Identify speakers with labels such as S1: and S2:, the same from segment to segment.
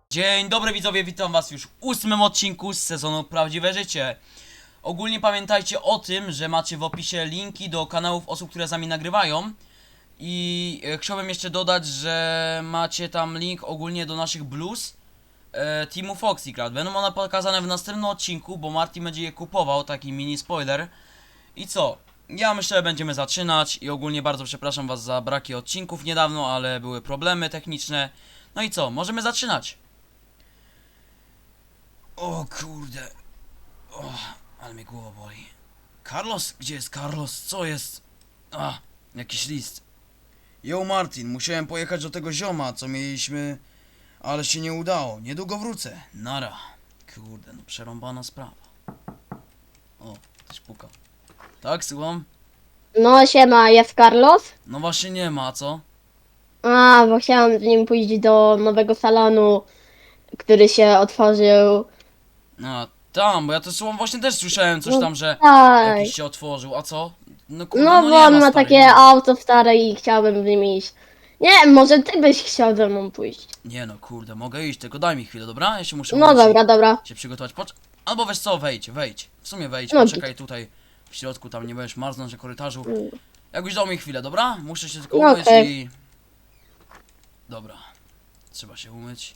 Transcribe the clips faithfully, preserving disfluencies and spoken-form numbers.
S1: Dzień dobry widzowie, witam was już w ósmym odcinku z sezonu Prawdziwe Życie. Ogólnie pamiętajcie o tym, że macie w opisie linki do kanałów osób, które z nami nagrywają. I e, chciałbym jeszcze dodać, że macie tam link ogólnie do naszych blues e, Teamu Foxycrat. Będą one pokazane w następnym odcinku, bo Marty będzie je kupował, taki mini spoiler. I co? Ja myślę, że będziemy zaczynać i ogólnie bardzo przepraszam was za braki odcinków niedawno, ale były problemy techniczne. No i co? Możemy zaczynać. O kurde. O, ale mnie głowa boli. Carlos? Gdzie jest Carlos? Co jest? A, jakiś list. Yo Martin, musiałem pojechać do tego zioma, co mieliśmy, ale się nie udało. Niedługo wrócę. Nara. Kurde, no przerąbana sprawa. O, ktoś puka. Tak, słucham?
S2: No siema, jest Carlos?
S1: No właśnie nie ma, co?
S2: A, bo chciałam z nim pójść do nowego salonu, który się otworzył.
S1: A, tam, bo ja to słowem właśnie też słyszałem coś
S2: No
S1: tam, że
S2: tak.
S1: jakiś się otworzył, a co? No kurde,
S2: No
S1: no
S2: bo
S1: nie
S2: on
S1: ma,
S2: ma
S1: stary,
S2: takie
S1: nie ma.
S2: auto stare i chciałbym z nim iść. Nie, może ty byś chciał ze mną pójść.
S1: Nie no, kurde, mogę iść, tylko daj mi chwilę, dobra? Ja się muszę
S2: No
S1: umyć i
S2: dobra, dobra.
S1: się przygotować. Pocz Albo weź co, wejdź, wejdź. W sumie wejdź,
S2: No
S1: poczekaj tutaj w środku, tam nie będziesz marznąć na korytarzu. Jakbyś dał mi chwilę, dobra? Muszę się tylko
S2: No
S1: umyć
S2: okej.
S1: i... Dobra. Trzeba się umyć.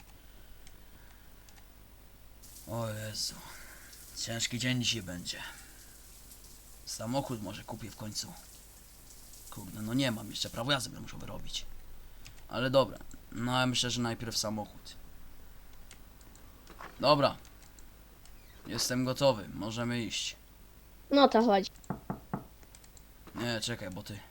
S1: O Jezu. Ciężki dzień dzisiaj będzie. Samochód może kupię w końcu. Kurde, no nie mam jeszcze, prawo jazdy będę musiał wyrobić. Ale dobra, no ja myślę, że najpierw samochód. Dobra. Jestem gotowy, możemy iść.
S2: No to chodź.
S1: Nie, czekaj, bo ty...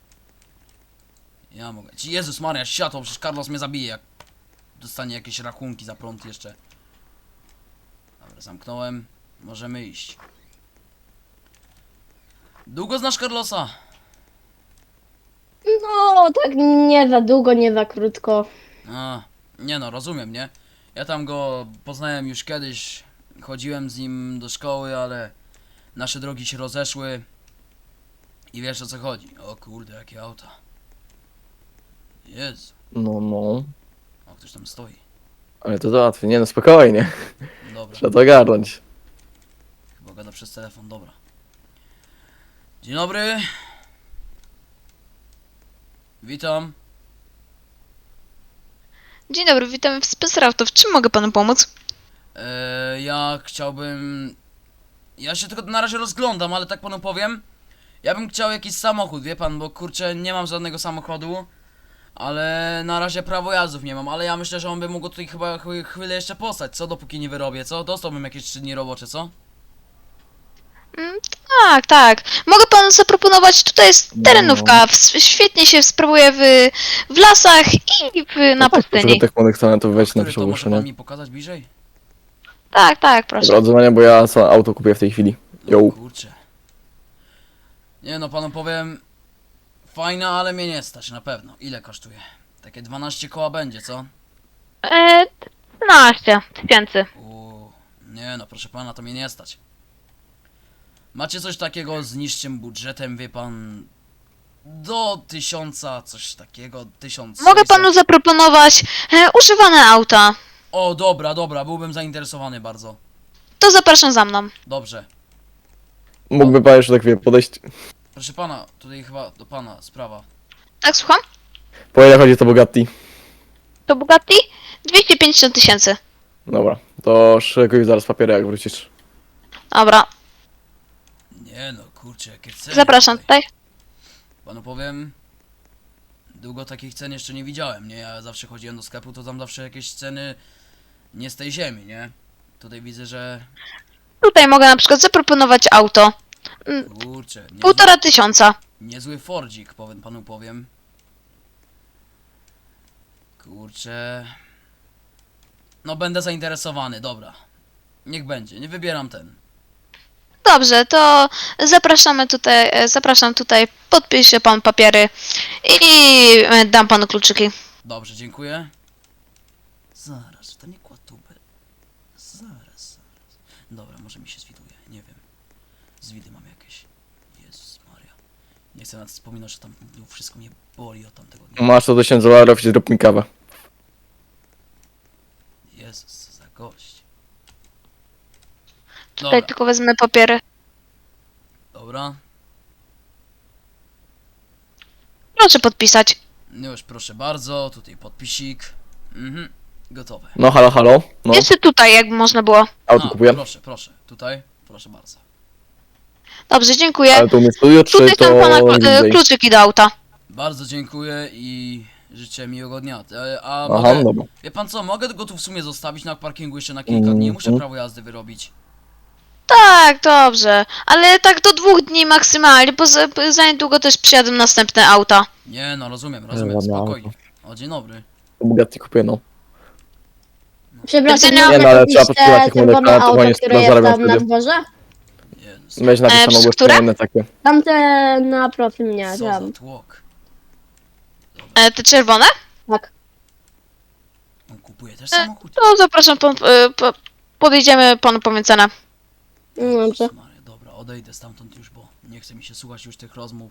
S1: Ja mogę... Ci Jezus Maria, światło, przecież Carlos mnie zabije, jak... dostanie jakieś rachunki za prąd jeszcze. Dobra, zamknąłem. Możemy iść. Długo znasz Carlosa?
S2: No, tak nie za długo, nie za krótko.
S1: A, nie no, rozumiem, nie? Ja tam go poznałem już kiedyś. Chodziłem z nim do szkoły, ale... nasze drogi się rozeszły. I wiesz, o co chodzi. O kurde, jakie auta. Jezu.
S3: No, no.
S1: O, ktoś tam stoi.
S3: Ale to załatwię. Nie no, spokojnie.
S1: Dobra.
S3: Trzeba to ogarnąć.
S1: Chyba gada przez telefon, dobra. Dzień dobry. Witam.
S4: Dzień dobry, witamy w Specraftu. W czym mogę panu pomóc?
S1: Eee, ja chciałbym... Ja się tylko na razie rozglądam, ale tak panu powiem. Ja bym chciał jakiś samochód, wie pan, bo kurczę, nie mam żadnego samochodu. Ale na razie prawo jazdów nie mam, ale ja myślę, że on by mógł tutaj chyba ch chwilę jeszcze postać, co? Dopóki nie wyrobię, co? Dostałbym jakieś trzy dni robocze, co?
S4: Mm, tak, tak. Mogę panu zaproponować, tutaj jest terenówka. W, świetnie się sprawuje w, w lasach i w, na
S3: No tak,
S4: pustyni.
S3: żeby tych młodych talentów wejść na
S1: Który
S3: pierwsze
S1: to może pan
S3: ogłoszenie.
S1: mi pokazać bliżej?
S4: Tak, tak, proszę.
S3: Dobra, odzwania, bo ja sam auto kupię w tej chwili.
S1: No
S3: Yo.
S1: kurczę. Nie no, panu powiem... Fajna, ale mnie nie stać, na pewno. Ile kosztuje? Takie dwanaście koła będzie, co?
S4: E, trzynaście tysięcy.
S1: Uuu, nie no, proszę pana, to mnie nie stać. Macie coś takiego z niższym budżetem, wie pan... Do tysiąca, coś takiego, tysiąc
S4: Mogę
S1: sześćset.
S4: panu zaproponować e, używane auta.
S1: O, dobra, dobra, byłbym zainteresowany bardzo.
S4: To zapraszam za mną.
S1: Dobrze.
S3: Mógłby pan jeszcze tak wie podejść.
S1: Proszę pana, tutaj chyba do pana sprawa.
S4: Tak, słucham?
S3: Po ile chodzi to Bugatti?
S4: To Bugatti? dwieście pięćdziesiąt tysięcy.
S3: Dobra, to szykuj zaraz papiery, jak wrócisz.
S4: Dobra,
S1: Nie no, kurczę, jakie ceny
S4: zapraszam
S1: tutaj.
S4: tutaj.
S1: Panu powiem, długo takich cen jeszcze nie widziałem, nie? Ja zawsze chodziłem do sklepu, to tam zawsze jakieś ceny nie z tej ziemi, nie? Tutaj widzę, że...
S4: Tutaj mogę na przykład zaproponować auto.
S1: Kurczę, niezły,
S4: Półtora tysiąca.
S1: niezły Fordzik, powiem panu powiem. Kurczę... No będę zainteresowany, dobra. Niech będzie, nie wybieram ten.
S4: Dobrze, to zapraszamy tutaj, e, zapraszam tutaj, podpisze pan papiery i e, dam panu kluczyki.
S1: Dobrze, dziękuję. Zaraz, to nie kłatubę. Zaraz, zaraz. Dobra, może mi się zwiduje, nie wiem. Zwidy mam jakieś. Jezus Maria. Nie chcę nawet wspominać, że tam no, wszystko mnie boli od tamtego dnia.
S3: Masz to tysiąc dolarów i zrób mi kawę.
S1: Jezu. gość.
S4: Tutaj
S1: Dobra,
S4: tylko wezmę papiery.
S1: dobra.
S4: Proszę podpisać.
S1: Już proszę bardzo, tutaj podpisik. Mhm, gotowe.
S3: No halo, halo. No,
S4: Jeszcze tutaj, jakby można było.
S3: auto
S1: A,
S3: kupuję.
S1: proszę, proszę, tutaj, proszę bardzo.
S4: Dobrze, dziękuję.
S3: Ale tu mnie studio, czy
S4: Tutaj
S3: to
S4: są pana klu-
S3: gdzie
S4: e,
S3: indziej?
S4: kluczyki do auta.
S1: Bardzo dziękuję i życzę miłego dnia. E, A
S3: Aha,
S1: mogę,
S3: dobra.
S1: wie pan co, mogę go tu w sumie zostawić na parkingu jeszcze na kilka dni, muszę
S3: Mhm.
S1: prawo jazdy wyrobić.
S4: Tak, dobrze. Ale tak do dwóch dni maksymalnie, bo za, za niedługo też przyjadą następne auta.
S1: Nie no, rozumiem, rozumiem,
S3: ładne
S1: spokojnie. O, dzień dobry.
S3: Bugatti kupię, no.
S2: Przepraszam,
S4: Nie,
S2: mogę
S3: no, ale
S2: kupić
S3: trzeba podpisać
S2: te
S3: tych
S2: czerwone
S3: modelów, to
S2: auto,
S3: właśnie
S2: które jest
S3: zarabiam
S2: tam na
S3: wtedy.
S2: dworze?
S1: Jezus,
S3: Weź napisane
S4: przez
S3: ogłoszenie takie.
S2: Tamte na profil mnie,
S1: co za
S2: tam.
S1: tłok.
S4: E, te czerwone?
S2: Tak.
S1: On kupuje
S4: E,
S1: też samochód?
S4: To zapraszam, pan, e, po, podejdziemy panu po cenę.
S2: No dobrze.
S1: Jezus Maria, dobra, odejdę stamtąd już, bo nie chce mi się słuchać już tych rozmów.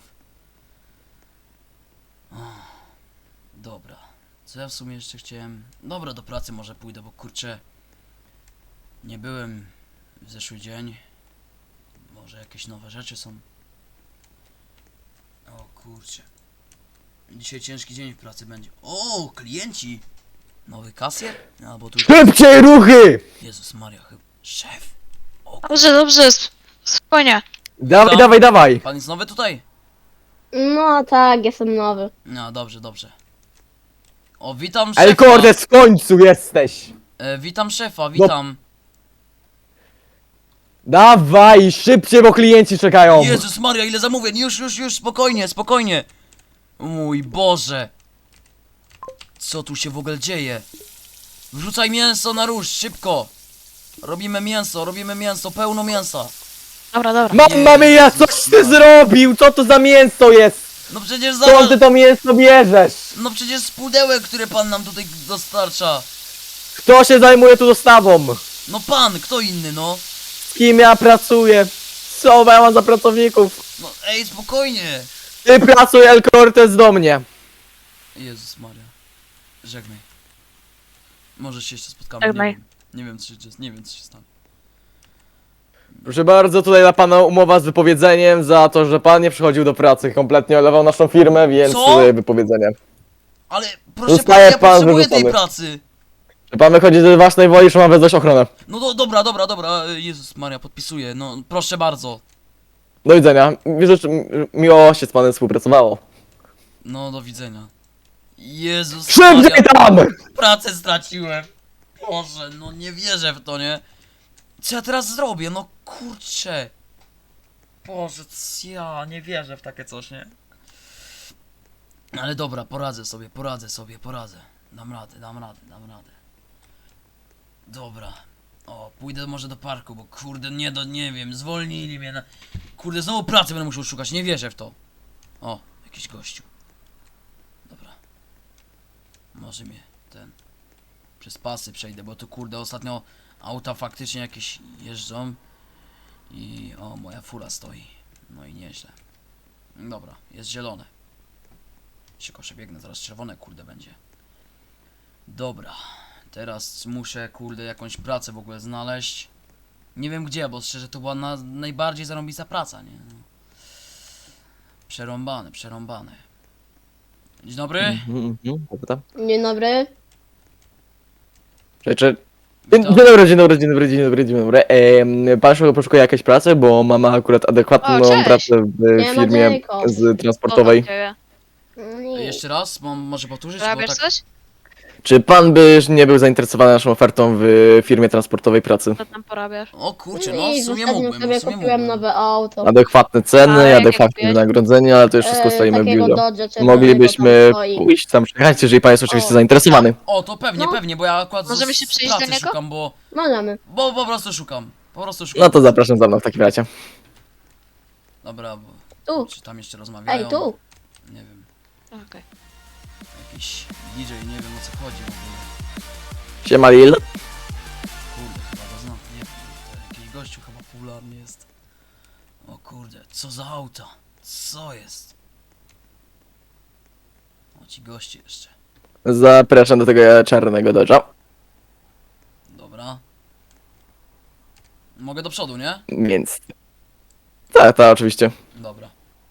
S1: O, dobra, co ja w sumie jeszcze chciałem... Dobra, do pracy może pójdę, bo kurczę... Nie byłem w zeszły dzień. Może jakieś nowe rzeczy są. O kurczę. Dzisiaj ciężki dzień w pracy będzie. O, klienci! Nowy kasjer? Albo tu...
S3: Szybciej ruchy!
S1: Jezus Maria, chyba... Szef! O,
S4: Dobrze, dobrze, sp- spokojnie.
S3: Dawaj,
S1: Co?
S3: dawaj, dawaj!
S1: pan jest nowy tutaj?
S2: No tak, jestem nowy.
S1: No, dobrze, dobrze. O, witam szefa.
S3: El Cortez, w końcu jesteś!
S1: E, witam szefa, witam.
S3: Dawaj, szybciej, bo klienci czekają!
S1: Jezus Maria, ile zamówień. Już, już, już, spokojnie, spokojnie. Mój Boże. Co tu się w ogóle dzieje? Wrzucaj mięso na róż, szybko. Robimy mięso, robimy mięso, pełno mięsa.
S4: Dobra, dobra.
S3: Mamma mia, coś ty zrobił! Co to za mięso jest?
S1: No przecież
S3: Skąd
S1: zobacz.
S3: ty to mięso bierzesz?
S1: No przecież z pudełek, które pan nam tutaj dostarcza.
S3: Kto się zajmuje tu dostawą?
S1: No pan, kto inny, no?
S3: Z kim ja pracuję? Co ja mam za pracowników?
S1: No ej, spokojnie.
S3: Ty pracuj, El Cortez, do mnie!
S1: Jezus Maria. Żegnaj. Może się jeszcze spotkamy, nie
S4: Żegnaj.
S1: wiem. Nie wiem co się, nie wiem co się stanie.
S3: Proszę bardzo, tutaj dla pana umowa z wypowiedzeniem za to, że pan nie przychodził do pracy. Kompletnie olewał naszą firmę, więc
S1: Co?
S3: tutaj wypowiedzenie.
S1: Ale proszę
S3: Zostaje
S1: pana, ja
S3: pan
S1: potrzebuję tej
S3: wyrzucony.
S1: pracy.
S3: Że pan wychodzi z własnej woli, że ma wezwać ochronę.
S1: No do, dobra, dobra, dobra, e, Jezus Maria, podpisuję, no proszę bardzo.
S3: Do widzenia. Życzę miło się z panem współpracowało.
S1: No do widzenia. Jezus
S3: Szybciej
S1: Maria,
S3: tam!
S1: pracę straciłem. Boże, no nie wierzę w to, nie? Co ja teraz zrobię, no kurczę. Boże, c- ja nie wierzę w takie coś, nie? Ale dobra, poradzę sobie, poradzę sobie, poradzę. Dam radę, dam radę, dam radę. Dobra. O, pójdę może do parku, bo kurde, nie do, nie wiem, zwolnili mnie na... Kurde, znowu pracy będę musiał szukać, nie wierzę w to. O, jakiś gościu. Dobra. Może mnie ten... Przez pasy przejdę, bo tu kurde ostatnio auta faktycznie jakieś jeżdżą. I o, moja fura stoi. No i nieźle. Dobra, jest zielone. Szybko przebiegnę, zaraz czerwone kurde będzie. Dobra. Teraz muszę kurde jakąś pracę w ogóle znaleźć. Nie wiem gdzie, bo szczerze to była na, najbardziej zarąbista praca, nie? No. Przerąbane, przerąbane. Dzień dobry.
S3: Mhm, mhm, dobra.
S2: Dzień dobry.
S3: Rzeczy. Dzień
S1: Witam.
S3: dzień dobry, dzień dobry, dzień dobry, dzień dobry, dzień dobry. Ehm, pan szybko poszukuje jakiejś pracy, bo mamy akurat adekwatną
S4: O, cześć.
S3: pracę w
S2: Nie ma
S3: firmie
S2: Jacob.
S3: z transportowej.
S2: No
S1: E,
S2: nie.
S1: Jeszcze raz, mam może powtórzyć, bo
S4: Robisz
S1: tak...
S4: coś?
S3: Czy pan by nie był zainteresowany naszą ofertą w firmie transportowej pracy?
S4: Co tam porabiasz?
S1: O kurczę,
S2: No
S1: no
S2: i
S1: w sumie
S2: ostatnio
S1: mógłbym,
S2: sobie
S1: w sumie
S2: kupiłem
S1: mógłbym.
S2: nowe auto.
S3: Adekwatne ceny,
S4: A, jakie
S3: adekwatne
S4: kupiłeś?
S3: wynagrodzenie, ale to już wszystko
S2: E,
S3: stoimy w
S2: takiego
S3: biurze.
S2: Dodge'a czerwonego
S3: Moglibyśmy
S2: tam stoi.
S3: pójść tam przejechać, jeżeli pan jest oczywiście
S2: O.
S3: zainteresowany.
S1: O, to pewnie,
S2: No.
S1: pewnie, bo ja akurat
S4: Możemy
S1: z-
S4: się
S1: z
S4: przejść do
S1: pracy
S4: niego?
S1: szukam, bo,
S2: Możemy.
S1: bo po prostu szukam. Po prostu szukam.
S3: No to zapraszam za mną w takim razie.
S1: Dobra, bo
S2: Tu.
S1: czy tam jeszcze rozmawiają?
S2: Ej, tu.
S1: Nie wiem,
S4: Okej.
S1: jakiś D J, nie wiem o co chodzi w ogóle.
S3: Siema Lil.
S1: Kurde, chyba go znam, nie wiem, to jakiś gościu chyba popularny jest. O kurde, co za auta? Co jest? O, ci goście jeszcze.
S3: Zapraszam do tego czarnego Dodge'a.
S1: Dobra. Mogę do przodu, nie?
S3: Więc... Tak, tak, oczywiście.
S1: Dobra.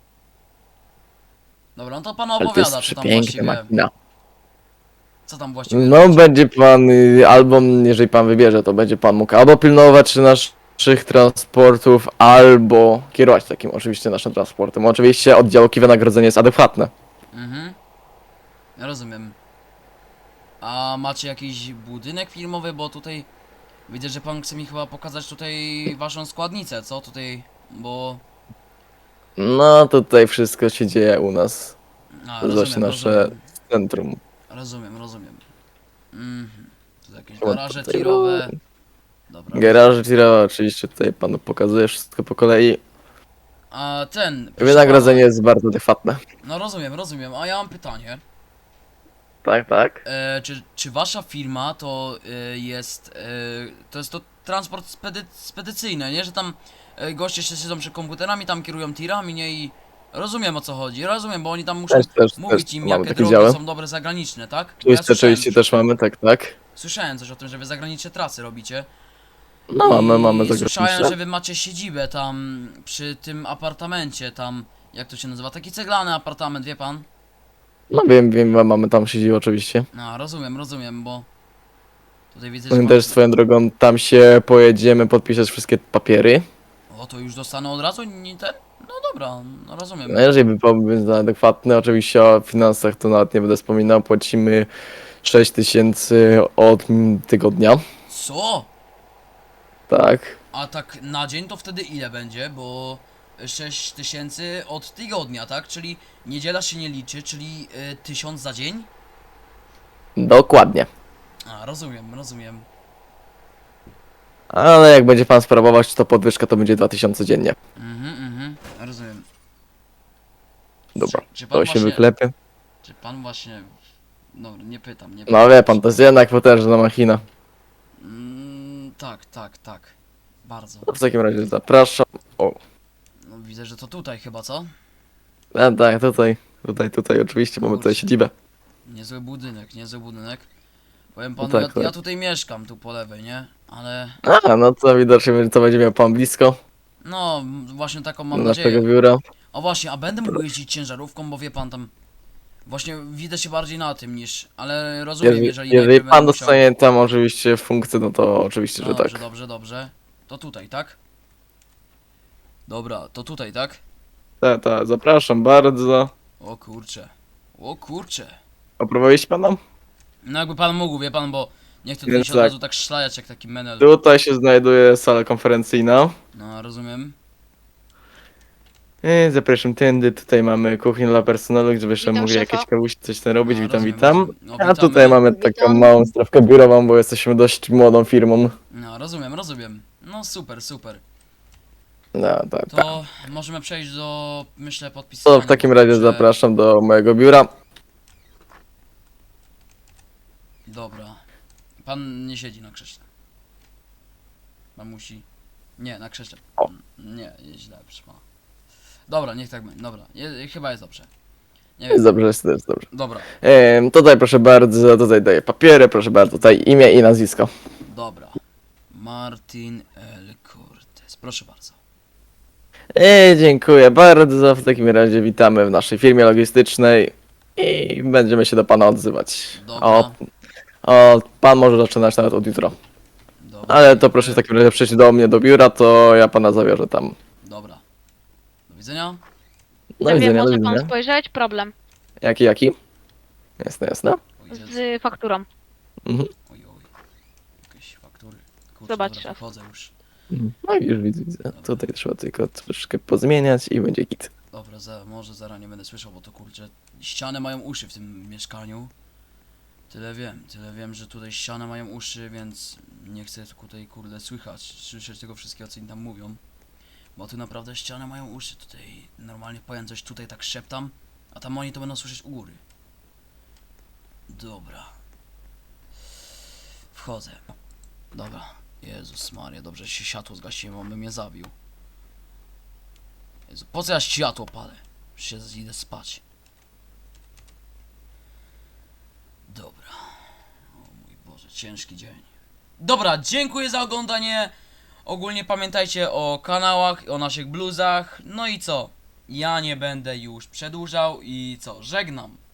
S1: Dobra, no to pan
S3: Ale to jest
S1: opowiada, co tam
S3: przepiękna
S1: właściwie...
S3: machina.
S1: Co tam właściwie
S3: No,
S1: robicie?
S3: będzie pan, y, albo jeżeli pan wybierze, to będzie pan mógł albo pilnować naszych transportów, albo kierować takim oczywiście naszym transportem. Oczywiście oddziałki wynagrodzenie jest adekwatne.
S1: Mhm. Ja rozumiem. A macie jakiś budynek filmowy, bo tutaj... Widzę, że pan chce mi chyba pokazać tutaj waszą składnicę, co? Tutaj... Bo...
S3: No, tutaj wszystko się dzieje u nas.
S1: A,
S3: To jest właśnie
S1: rozumiem,
S3: nasze
S1: rozumiem.
S3: centrum.
S1: Rozumiem, rozumiem. Mhm. To jakieś
S3: O,
S1: garaże
S3: tutaj-
S1: tirowe. Dobra.
S3: Garaże tirowe, oczywiście tutaj panu pokazuję wszystko po kolei.
S1: A ten... proszę
S3: Wynagrodzenie
S1: pana,
S3: jest bardzo adekwatne.
S1: No rozumiem, rozumiem. A ja mam pytanie.
S3: Tak, tak.
S1: E, czy, czy wasza firma to e, jest... E, to jest to transport spedy, spedycyjny, nie? Że tam e, goście się siedzą przy komputerami, tam kierują tirami, nie? I... Rozumiem, o co chodzi, rozumiem, bo oni tam muszą
S3: Też, też,
S1: mówić
S3: też
S1: im,
S3: mamy
S1: jakie
S3: takie
S1: drogi
S3: działy.
S1: są dobre zagraniczne, tak? Bo
S3: Oczywiście,
S1: słyszałem
S3: oczywiście
S1: coś-
S3: też mamy, tak, tak.
S1: Słyszałem coś o tym, że wy zagraniczne trasy robicie.
S3: No mamy, mamy
S1: I słyszałem, że
S3: zagraniczne.
S1: wy macie siedzibę tam przy tym apartamencie, tam... Jak to się nazywa? Taki ceglany apartament, wie pan?
S3: No wiem, wiem, mamy tam siedzibę oczywiście.
S1: No, rozumiem, rozumiem, bo... Tutaj widzę, że
S3: My
S1: pan...
S3: też swoją drogą tam się pojedziemy podpisać wszystkie papiery.
S1: O, to już dostanę od razu? Nie ten? No dobra, no rozumiem.
S3: No jeżeli by pomysł był adekwatny, oczywiście o finansach to nawet nie będę wspominał, płacimy sześć tysięcy od mm, tygodnia.
S1: Co?
S3: Tak.
S1: A tak na dzień to wtedy ile będzie? Bo sześć tysięcy od tygodnia, tak? Czyli niedziela się nie liczy, czyli y, tysiąc za dzień?
S3: Dokładnie.
S1: A, rozumiem, rozumiem.
S3: Ale jak będzie pan sprawować, to podwyżka to będzie dwa tysiące dziennie.
S1: Mhm, mhm, rozumiem.
S3: Dobra,
S1: Czy, czy pan
S3: to się
S1: właśnie,
S3: wyklepie.
S1: Czy pan właśnie... No, nie pytam, nie
S3: No wie pan, to jest jednak potężna machina.
S1: Mm, tak, tak, tak. Bardzo.
S3: No w takim razie zapraszam. O,
S1: No, widzę, że to tutaj chyba, co?
S3: a, tak, tutaj, tutaj, tutaj oczywiście mamy tutaj siedzibę.
S1: Niezły budynek, niezły budynek. Powiem panu,
S3: No tak,
S1: ja,
S3: tak.
S1: ja tutaj mieszkam, tu po lewej, nie? Ale...
S3: A, no to widocznie to będzie miał pan blisko
S1: No, m, właśnie taką mam
S3: do naszego
S1: nadzieję.
S3: biura.
S1: O właśnie, a będę mógł jeździć ciężarówką, bo wie pan tam... Właśnie widzę się bardziej na tym niż... Ale rozumiem,
S3: Jeżeli,
S1: jeżeli...
S3: jeżeli
S1: najpierw
S3: pan
S1: będę musiał-
S3: dostanie tam oczywiście funkcję, no to oczywiście,
S1: No
S3: że
S1: dobrze,
S3: tak.
S1: dobrze, dobrze. To tutaj, tak? Dobra, to tutaj, tak?
S3: Tak, tak, zapraszam bardzo.
S1: O kurcze. O kurcze.
S3: Oprowadziliście pana?
S1: No jakby pan mógł, wie pan, bo... Nie chcę tutaj
S3: Więc
S1: się od
S3: tak.
S1: razu tak szlajać jak taki menel.
S3: Tutaj się znajduje sala konferencyjna.
S1: No, rozumiem.
S3: I zapraszam tędy, tutaj mamy kuchnię dla personelu, gdzie byśmy
S4: Witam
S3: mogli
S4: szefa.
S3: jakieś kawusi, coś tam robić.
S1: No,
S3: Witam,
S1: rozumiem,
S3: witam.
S1: rozumiem. No,
S3: A
S1: witamy.
S3: tutaj mamy taką
S2: Witam.
S3: małą strawkę biurową, bo jesteśmy dość młodą firmą.
S1: No, rozumiem, rozumiem. No super, super.
S3: No, tak, tak.
S1: To możemy przejść do, myślę,
S3: To
S1: podpisywania.
S3: w takim razie
S1: że-
S3: zapraszam do mojego biura.
S1: Dobra. Pan nie siedzi na krześle. Pan musi... Nie, na krześle.
S3: O.
S1: Nie, jest źle, proszę pana. Dobra, niech tak będzie. Dobra, je, chyba jest dobrze. Nie
S3: Jest
S1: wiem.
S3: dobrze, jest jest dobrze.
S1: Dobra,
S3: Ehm, tutaj proszę bardzo, tutaj daję papiery, proszę bardzo, tutaj imię i nazwisko.
S1: dobra. Martin L. Cortez. Proszę bardzo.
S3: E, dziękuję bardzo, w takim razie witamy w naszej firmie logistycznej i będziemy się do pana odzywać.
S1: Dobra.
S3: O, o, pan może zaczynać nawet od jutra.
S1: Dobra.
S3: Ale to proszę w takim razie przyjść do mnie do biura, to ja pana zawiozę tam.
S1: Dobra. Do widzenia.
S3: Do
S4: Nie wiem,
S3: widzenia, do
S4: może pan
S3: widzenia.
S4: spojrzeć? Problem
S3: Jaki, jaki? Jasne, jasne.
S1: O Jezu.
S4: z fakturą.
S3: Mhm.
S1: Oj, oj. Jakieś faktury. Kurczę,
S4: Zobacz,
S1: dobra,
S4: szef.
S1: wychodzę już.
S3: No i już widzę, widzę. Tutaj trzeba tylko troszkę pozmieniać i będzie git.
S1: Dobra, za, może zaraz nie będę słyszał, bo to kurczę, ściany mają uszy w tym mieszkaniu. Tyle wiem, tyle wiem, że tutaj ściany mają uszy, więc nie chcę tutaj kurde słychać, słyszeć tego wszystkiego, co im tam mówią. Bo tu naprawdę ściany mają uszy, tutaj normalnie powiem coś tutaj tak szeptam, a tam oni to będą słyszeć u góry. Dobra. Wchodzę. Dobra. Jezus Maria, dobrze że się światło zgasiłem, on by mnie zabił. Jezu, po co ja światło palę? Już się idę spać. Dobra. O mój Boże, ciężki dzień. Dobra, dziękuję za oglądanie. Ogólnie pamiętajcie o kanałach, o naszych bluzach. No i co? Ja nie będę już przedłużał i co? Żegnam.